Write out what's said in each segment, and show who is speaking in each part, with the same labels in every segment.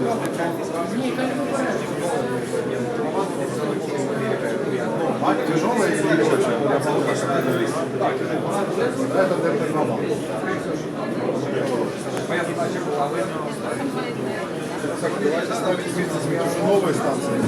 Speaker 1: Тяжелая или легкая? Это терминал. Давайте ставить вместе с новой станцией.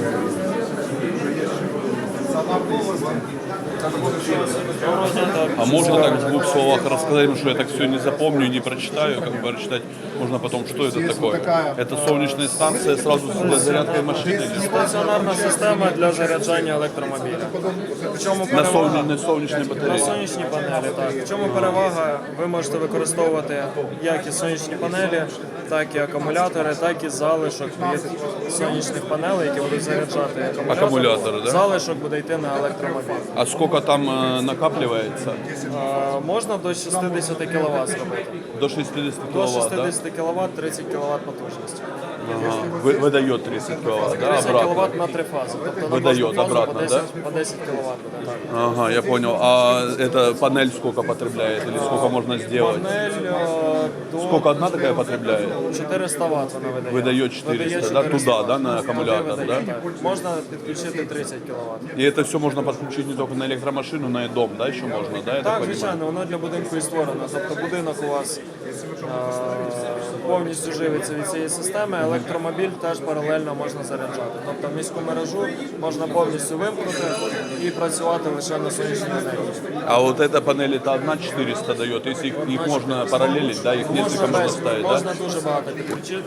Speaker 2: А можно так в двух словах рассказать, потому что я так все не запомню, не прочитаю, как бы прочитать можно потом, что это такое? Это солнечная станция сразу для зарядки машины?
Speaker 3: Стаціонарна система для заряджання електромобіля. В чому
Speaker 2: На
Speaker 3: перевага?
Speaker 2: сонячній
Speaker 3: На
Speaker 2: батареї?
Speaker 3: сонячні панелі, так. В чому перевага? Ви можете використовувати як і сонячні панелі, так і акумулятори, так і залишок від сонячних панелей, які будуть заряджати
Speaker 2: Акумулятори, да?
Speaker 3: Залишок буде йти на електромобіль.
Speaker 2: А сколько там накапливается?
Speaker 3: Можна до 60 кВт зробити.
Speaker 2: До 60
Speaker 3: До
Speaker 2: киловатт, да?
Speaker 3: 60 кВт, 30 кВт потужності.
Speaker 2: Ага. Выдает 30 киловатт, да,
Speaker 3: 30
Speaker 2: обратно?
Speaker 3: кВт на 3 фази. Тобто
Speaker 2: Видає
Speaker 3: на кожну фазу
Speaker 2: обратно,
Speaker 3: по 10 кВт буде. Так.
Speaker 2: Ага, я понял. А эта панель сколько потребляет или сколько можно сделать?
Speaker 3: Панель до
Speaker 2: Сколько одна такая потребляет?
Speaker 3: 400 Вт вона видає.
Speaker 2: Видає 400, да, туда, да, на акумулятор,
Speaker 3: Туди
Speaker 2: да?
Speaker 3: видає, так. Можна підключити 30 кВт.
Speaker 2: И это все можно подключить не только на электромашину, но и дом, да, еще можно, да, я так
Speaker 3: Так,
Speaker 2: понимаю?
Speaker 3: звичайно, воно для будинку і створено. Тобто будинок у вас повністю живиться від цієї системи, електромобіль теж паралельно можна заряджати. Тобто міську мережу можна повністю вимкнути і працювати лише на сонячній енергії.
Speaker 2: А вот эта панель, это одна 400 дает, если их можно параллелить, да, их несколько можно ставить, да?
Speaker 3: Можна дуже багато підключити.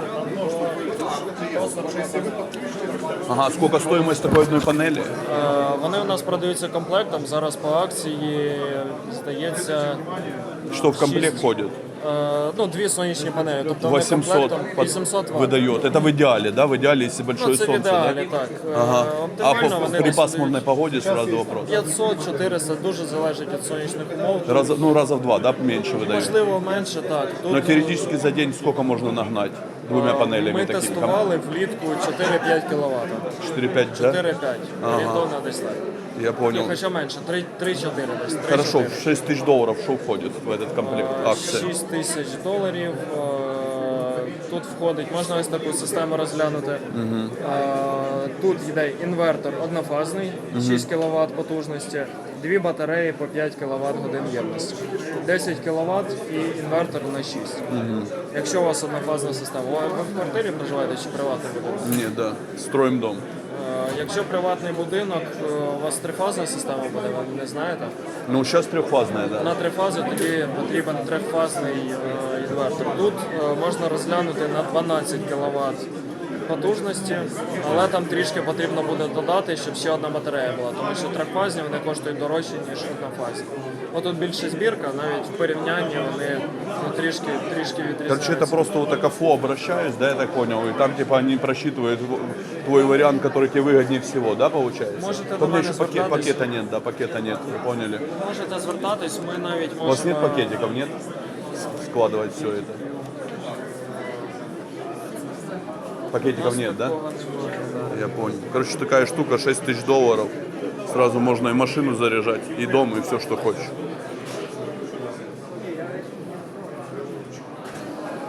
Speaker 2: Ага, сколько стоимость такой одной панели?
Speaker 3: Вони у нас продаються комплектом, зараз по акції, здається,
Speaker 2: Что в комплект
Speaker 3: Шесть.
Speaker 2: входит?
Speaker 3: ну, дві сонячні панелі, тобто вони
Speaker 2: 800
Speaker 3: комплектом 800 Вт.
Speaker 2: выдает. Это в идеале, да, в идеале, если большое
Speaker 3: Ну, це в
Speaker 2: солнце,
Speaker 3: ідеалі,
Speaker 2: да?
Speaker 3: так.
Speaker 2: Ага. А
Speaker 3: Оптимально вони
Speaker 2: при
Speaker 3: десь
Speaker 2: пасмурной погоде сразу вопрос.
Speaker 3: 500-400, дуже залежить від сонячних умов.
Speaker 2: Раза в два, да, меньше выдает.
Speaker 3: Можливо, менше, так. Тут
Speaker 2: Но теоретически за день сколько можно нагнать двумя панелями
Speaker 3: ми
Speaker 2: такими?
Speaker 3: тестували влітку 4-5 кВт.
Speaker 2: 4-5, да?
Speaker 3: 4-5, орієнтовно десь так.
Speaker 2: Я понял.
Speaker 3: Хоча менше, 3-4 десь. 3-4.
Speaker 2: Хорошо, в 6 тысяч долларов что входит в этот комплект акции?
Speaker 3: 6 тисяч доларів. Тут входить, можна ось таку систему розглянути. Тут йде інвертор однофазний, 6 кВт потужності, дві батареї по 5 кВт годин ємності. 10 кВт і інвертор на 6. Якщо у вас однофазна система, ви в квартирі проживаєте чи приватний будинок?
Speaker 2: Нет, да. Строим дом.
Speaker 3: Якщо приватний будинок, у вас трифазна система буде, ви не знаєте?
Speaker 2: Ну, сейчас трехфазная, да.
Speaker 3: На три фази тоді потрібен трьохфазний інвертор. Тут можна розглянути на 12 кВт потужності, але там трішки потрібно буде додати, щоб ще одна батарея була, тому що трьохфазні вони коштують дорожче, ніж однофазні. Отут більше збірка, навіть в порівнянні вони трішки відрізняються.
Speaker 2: Короче, это просто вот так ФО обращаюсь, да, я так понял, и там типа они просчитывают твой вариант, который тебе выгоднее всего, да, получается?
Speaker 3: Можете
Speaker 2: Там
Speaker 3: до
Speaker 2: у меня
Speaker 3: мене
Speaker 2: еще
Speaker 3: звертатись.
Speaker 2: пакета нет, да, пакета нет, вы поняли.
Speaker 3: Можете звертатись, ми навіть можемо...
Speaker 2: У вас нет пакетиков, нет? Складывать все это. Пакетиков нет, да?
Speaker 3: Такого не може, да.
Speaker 2: Я понял. Короче, такая штука, 6 тысяч долларов. Сразу можно и машину заряжать, и дом, и все, что хочешь.